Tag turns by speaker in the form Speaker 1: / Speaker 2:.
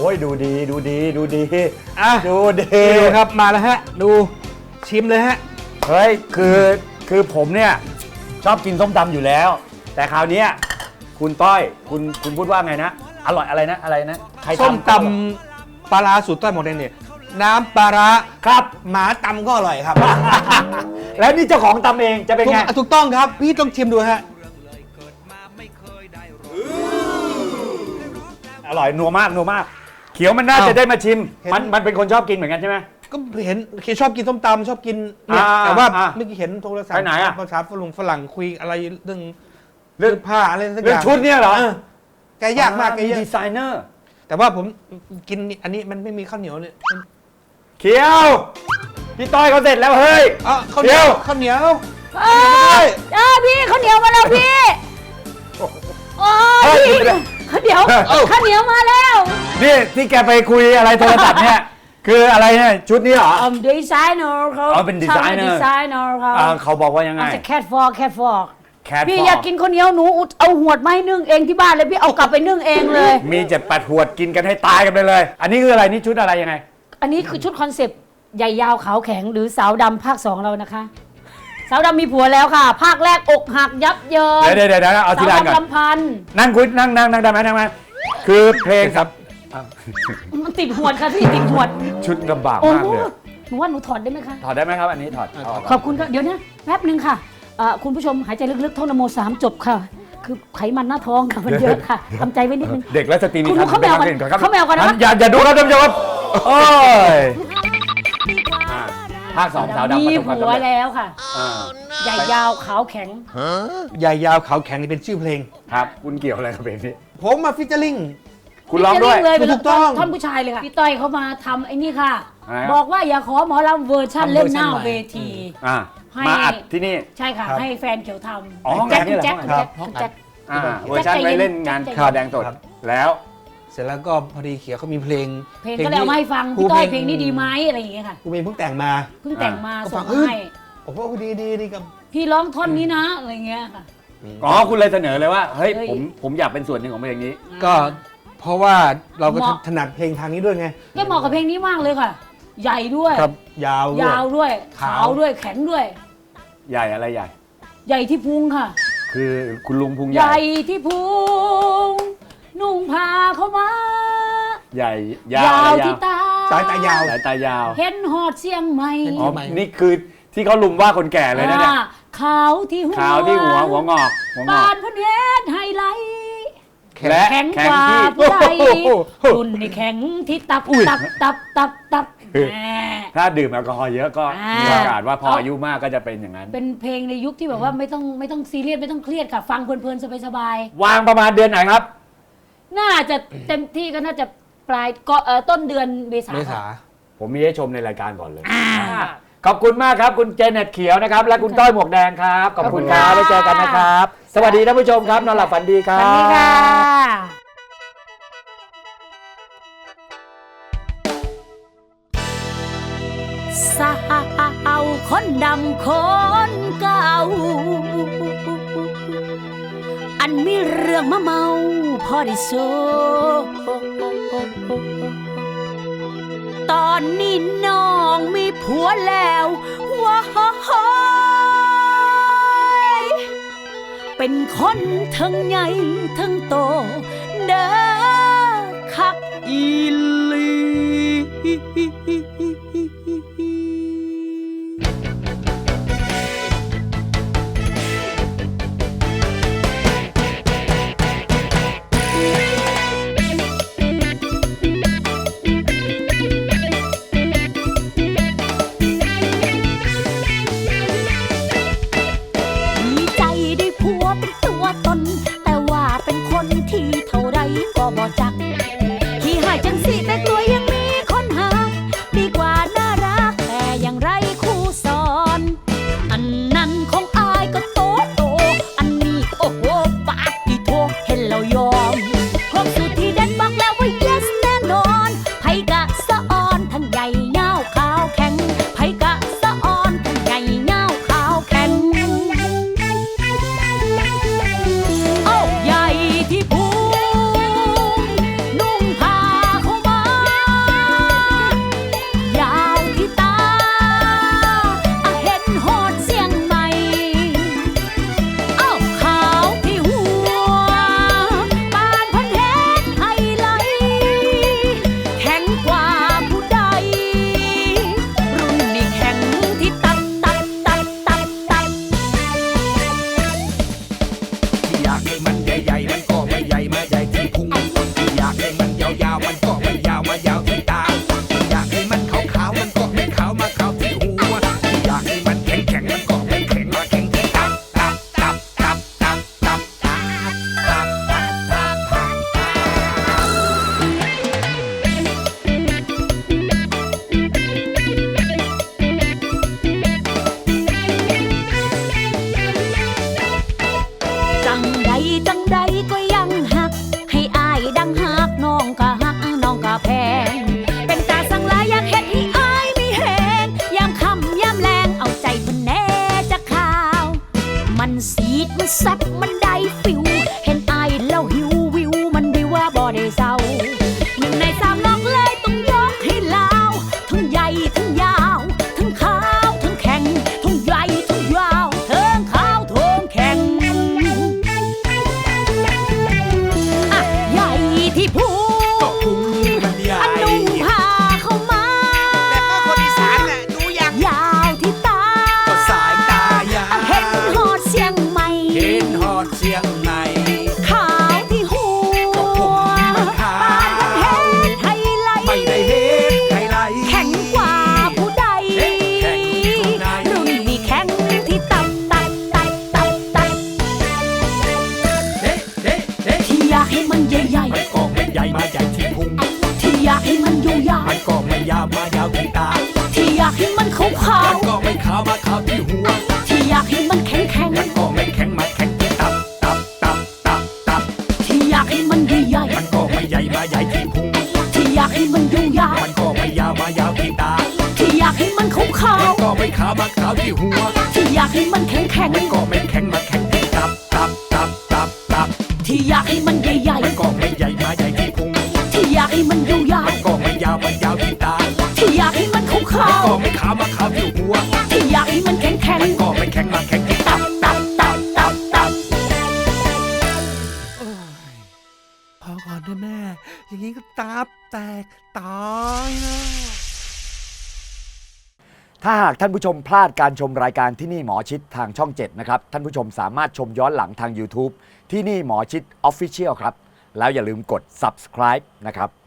Speaker 1: ยดูดีดูดีดูดี
Speaker 2: อ่ะ
Speaker 1: ดูดี
Speaker 2: ดูครับมาแล้วฮะดูชิมเลยฮะ
Speaker 1: เฮ้ยคือผมเนี่ยชอบกินส้มตำอยู่แล้ว แต่คราวนี้คุณต้อยคุณพูดว่าไงนะอร่อยอะไรนะใครทำ
Speaker 2: ส้มตำปลาร้าสูตรต้อยหมดเลยเนี่ยน้ำปลาร้า
Speaker 1: ครับ
Speaker 2: หมาตำก็อร่อยครับ
Speaker 1: แล้วนี่เจ้าของตำเองจะเป็นไง
Speaker 2: ถูกต้องครับพี่ต้องชิมดูฮะ
Speaker 1: อร่อยนัวมากเขียวมันน่าจะได้มาชิมมันเป็นคนชอบกินเหมือนกันใช่ไหม
Speaker 2: ก็เห็นชอบกินส้มตำชอบกินเนี่ยแต่ว่าเมื่อกี้เห็นโทรศัพท์
Speaker 1: ไปไหนอะ
Speaker 2: ภาษาฝรั่งคุยอะไรเรื่องผ้าอะไรสักอ
Speaker 1: เรื่อง
Speaker 2: ย่าง
Speaker 1: ชุดเนี่ยเหรอ
Speaker 2: แกยากมากแก
Speaker 1: มี
Speaker 2: ยาก
Speaker 1: ดีไซเนอร์
Speaker 2: แต่ว่าผมกินอันนี้มันไม่มีข้าวเหนียวเนี่ย
Speaker 1: เขียวพี่ต้อยเขาเสร็จแล้วเฮ้ย
Speaker 2: ข้าวเหนียวข้าวเหนียว
Speaker 3: พี่ข้าวเหนียวมาแล้วพี่โอ้ยพี่ข้าวเหนียวมาแล้ว
Speaker 1: นี่ที่แกไปคุยอะไรโทรศัพท์เนี่ยคืออะไรเนี่ยชุดนี้เหรอ
Speaker 3: ดีไซเนอร์เขา
Speaker 1: เป็นดีไซเนอร์
Speaker 3: ดีไซเนอร์เขา
Speaker 1: เขาบอกว่ายังไง
Speaker 3: จะแคทฟอร์
Speaker 1: แคท
Speaker 3: พี่อยากกินข้าวเหนียวหนูเอาหวดมาให้นึ่งเองที่บ้านเลยพี่เอากลับไปนึ่งเองเลย
Speaker 1: มี7-8 หวดกินกันให้ตายกันไปเลย อันนี้คืออะไรนี่ชุดอะไรยังไง
Speaker 3: อันนี้คือชุดคอนเซปต์ใหญ่ยาวขาวแข็งหรือสาวดำภาค 2เรานะคะสาวดำมีผัวแล้วค่ะ ภาคแรกอกหักยับเยิน
Speaker 1: เดี๋ยวเอาทีละก่อน
Speaker 3: สาวดำลำพันธ์
Speaker 1: นั่งคุยนั่งได้ไหมคือเพลงครับ
Speaker 3: มันติดหวดค่ะพี่ติดหวด
Speaker 1: ชุดลำบาก
Speaker 3: โอ้
Speaker 1: มากเลย
Speaker 3: หนูว่าหนูถอดได้ไหมคะ
Speaker 1: ถอดได้ไหมครับอันนี้ถอดเอาออก
Speaker 3: ขอบคุณค่ะเดี๋ยวนะแป๊บนึงค่ะคุณผู้ชมหายใจลึกๆท่องนโม3จบค่ะ คือไขมันหน้าท้องค่ะมันเยอะค่ะทำใจไว้นิดนึง
Speaker 1: เด็กและสตรีมี
Speaker 3: คุณดูเขาแมวกัน
Speaker 1: ครับ
Speaker 3: เขาแมวกันนะ
Speaker 1: อย่าดูครับท่านผู้ชมครับโอ้ยภาค 2สาวดำ
Speaker 3: มี
Speaker 1: ประสบความ
Speaker 3: ผั
Speaker 1: สำ
Speaker 3: ว
Speaker 1: เร็จ
Speaker 3: แล้วค่ะ
Speaker 1: อ่า
Speaker 3: ใหญ่ยาวขาวแข็ง
Speaker 2: ใหญ่ยาวขาวแข็งนี่เป็นชื่อเพลง
Speaker 1: ครับคุณเกี่ยวอะไรกับเพลงนี้
Speaker 2: ผมมาฟิชเจอริง
Speaker 1: คุณร้องด้วย
Speaker 3: เลยเป็น
Speaker 2: ถูกต้อง
Speaker 3: ท่อนผู้ชายเลยค่ะพี่ต้อยเขามาทำไอ้นี่ค่ะ
Speaker 1: อะไรครับ
Speaker 3: บอกว่าอย่าขอหมอลำเวอร์ชัน
Speaker 2: ทำ
Speaker 3: เล่น
Speaker 2: เวอร์ชั
Speaker 3: หน้า
Speaker 2: ใม่
Speaker 3: เวที
Speaker 1: อ่า
Speaker 3: ให้
Speaker 1: มาอัดที่นี่
Speaker 3: ใช่ค่ะ
Speaker 2: ครับ
Speaker 3: ให้แฟนเขียวท
Speaker 1: อ๋อ
Speaker 3: ำแจ็ค
Speaker 1: งานนี้เหรอ
Speaker 3: แจ็ค
Speaker 2: ครับ
Speaker 3: แจ็ค
Speaker 1: เวอร์ชันไว้เล่นงานแสดงสด
Speaker 2: ครับ
Speaker 1: แล้ว
Speaker 2: เสร็จแล้วก็พอดีเขียวเขามีเพลง
Speaker 3: เพลงก็เลยเอามาให้ฟังพี่ต้อยเพลงนี้ดีไหมอะไรอย่างเงี้ยค่ะ
Speaker 2: กูเพิ่งแต่งมา
Speaker 3: เพิ่งแต่งมา
Speaker 2: ก็
Speaker 3: ส่
Speaker 2: ฟั
Speaker 3: ง
Speaker 2: ง
Speaker 3: มาให้
Speaker 2: โอ้โหดีกับ
Speaker 3: พี่ร้องท่อนนี้นะอะไรเงี้ยค่ะ
Speaker 1: อ๋อคุณเลยเสนอเลยว่าเฮ้ย
Speaker 3: เฮ้ย
Speaker 1: ผมอยากเป็นส่วนหนึ่งของเพลงนี้
Speaker 2: ก็เพราะว่าเราก็
Speaker 3: เหมาะ
Speaker 2: ถนัดเพลงทางนี้ด้วยไง
Speaker 3: แกเหมาะกับเพลงนี้มากเลยค่ะ ใหญ่ด้วย
Speaker 2: ครับยาวด้วย
Speaker 3: ยาวด้วย
Speaker 2: ขาว
Speaker 3: ขาวด้วยแข็งด้วย
Speaker 1: ใหญ่อะไรใหญ่
Speaker 3: ใหญ่ที่พุงค่ะ
Speaker 1: คือคุณลุงพุงให
Speaker 3: ให
Speaker 1: ญ่
Speaker 3: ญ่ที่พุงนุ่งผ้าเข้ามา
Speaker 1: ใหญ่ยาวอะไร
Speaker 3: ที่ตา
Speaker 2: สายตายาว
Speaker 1: สายตายาว
Speaker 3: เห็นหอดเสียงไหม
Speaker 2: เห็น
Speaker 1: อ๋อ
Speaker 2: ทำไม
Speaker 1: นี่คือที่เขาลุมว่าคนแก่เลยนะเนี่ย
Speaker 3: ขาวที่หัว
Speaker 1: ขาวที่หัวงอกหัวง
Speaker 3: บา
Speaker 1: อก
Speaker 3: นพ้นเฮ็ดไฮไลท์
Speaker 1: และ
Speaker 3: แข็ง
Speaker 1: แข็
Speaker 3: ก
Speaker 1: ง
Speaker 3: ว่า
Speaker 1: ที่
Speaker 3: ผู้ใด
Speaker 1: โอ้โห
Speaker 3: รุ่นในแข็งที่ตับ
Speaker 1: อุ้ย
Speaker 3: ตับแหม
Speaker 1: ถ้าดื่มแอลกอฮอล์เยอะก็
Speaker 3: อ่ามี
Speaker 1: มีโอกาสว่าพออายุมากก็จะเป็นอย่างนั้น
Speaker 3: เป็นเพลงในยุคที่แบบว่าไม่ต้องซีเรียสไม่ต้องเครียดค่ะ ฟังเพลินๆสบาย
Speaker 1: วางประมาณเดือนไหนครับ
Speaker 3: ๆน่าจะเต็มที่ก็น่าจะปลายก็ต้นเดือนเมษา
Speaker 2: เมษา
Speaker 1: ผมมีให้ชมในรายการก่อนเลยขอบคุณมากครับ คุณเจเน็ตเขียวนะครับ และคุณต้อยหมวกแดงครับ ขอบคุณครับไว้เจอกันนะครับ สวัสดีท่านผู้ชมครับ นอนหลับฝันดีครั
Speaker 3: ส
Speaker 1: บ
Speaker 3: วัสดีค่ะ สาวคนดำคนเก่า อันมีเรื่องมาเมาพอได้โซตอนนี้น้องมีผัวแล้วว้ายเป็นคนทั้งใหญ่ทั้งโตเด้อคักอีหลี ดีใจได้ผัวเป็นตัวตน แต่ว่าเป็นคนที่เท่าไรก็บ่จักขี้หายจังสิแต่ตัวยังมีคนหาดีกว่าน่ารักแต่อย่างไรคู่สอน อันนั้นของอายก็โตอันนี้โอ้โหปากที่โทเห็นแล้วยอมความสุดที่เด็ดบอกแล้วว่า yes แน่นอนไผกะสะออนทั้งใหญ่ยาวขาวแข็งไผกะสะออนทั้งใหญ่ยาวขาวแข็ง ใหญ่ที่พุงจังใดก็ยังหัก ให้อายดังหักน้องก็หักน้องก็แพงเป็นตาสังหลายอยากเฮ็ดให้อายมีแหงยามค่ำยามแรงเอาใจเพิ่นแน่จะข่าว มันสีดมันซัดมันได้ฟิวเห็นอายแล้วหิววิวมันวิวว่าบ่ได้เศร้าหนึ่งในสามน้องเลยต้องยกให้ลาวทั้งใหญ่ทั้งยาวทั้งขาวทั้งแข็งทั้งใหญ่ทั้งยาวทั้งขาวทั้งแข็งอ่ะใหญ่ที่พู
Speaker 2: ก็พุงมันใหญ่
Speaker 3: อันนุ่งผ้าเข้ามา
Speaker 4: แต่พ่อคนอีสานน่ะดูอย่าง
Speaker 3: ยาวที่ตา
Speaker 2: ก็สายตายา
Speaker 3: เห็นหอดเสียงใหม่
Speaker 2: เห็นฮอดเสียงใน
Speaker 3: ขาวที่หั
Speaker 2: ก็พุ
Speaker 3: ว
Speaker 2: งมันขาว
Speaker 3: ปานมันเฮ็ดไทยไล
Speaker 2: ไม่ได้เฮ็ดไฮไลท์
Speaker 3: แข็งกว่าผู้ใด
Speaker 2: แข็งผู้ใด
Speaker 3: รุ่นนี้แข็งที่ตับ
Speaker 2: เฮ้เฮ้เฮ้
Speaker 3: ที่อยากให้มันใหญ่
Speaker 2: มันก็ไม่ใหญ่มาใหญ่ที่พุง
Speaker 3: ๆที่อยากให้มันยาว
Speaker 2: มันก็ไม่ยาวมายาวที่ตา
Speaker 3: ๆที่อยากให้มันขาว
Speaker 2: มันก็ไม่ขาวมาขาวที่หัว
Speaker 3: ๆที่อยากให้มันแข็ง
Speaker 2: มันก็ไม่แข็งมาแข็งที่ตับ
Speaker 3: ๆที่อยากให้มันใหญ่
Speaker 2: มันก็ไม่ใหญ่มาใหญ่ที่พุง
Speaker 3: ๆที่อยากให้มันยาว
Speaker 2: มันก็ไม่ยาวมายาวที่ตา
Speaker 3: ๆที่อยากให้มันขาว
Speaker 2: มันก็ไม่ขาวมาขาวที่หัว
Speaker 3: ๆที่อยากให้มันแข็ง
Speaker 2: มันก็ไม่แข็งมาแข็งที่ตับ
Speaker 3: ๆที่อยากให้มันใหญ่
Speaker 2: มันก็ไม่ใหญ่มาใหญ่ที่พุง
Speaker 3: ๆที่อยากให้มันยาว
Speaker 2: มันก็ไม่ยาวมายาวที่ตา
Speaker 3: ๆที่อยากให้มันขาว
Speaker 2: มันก็ไม่ขาวมาขาวที่หัว
Speaker 3: ๆที่อยากให้มันแข็ง
Speaker 2: มันก็ไม่แข็งมาแข็งที่ตับ พอก่อนนะแม่ อย่างนี้ก็ตับแตกตายนะ
Speaker 1: ถ้าหากท่านผู้ชมพลาดการชมรายการที่นี่หมอชิดทางช่อง 7 นะครับ ท่านผู้ชมสามารถชมย้อนหลังทาง YouTube ที่นี่หมอชิด Official ครับ แล้วอย่าลืมกด subscribe นะครับ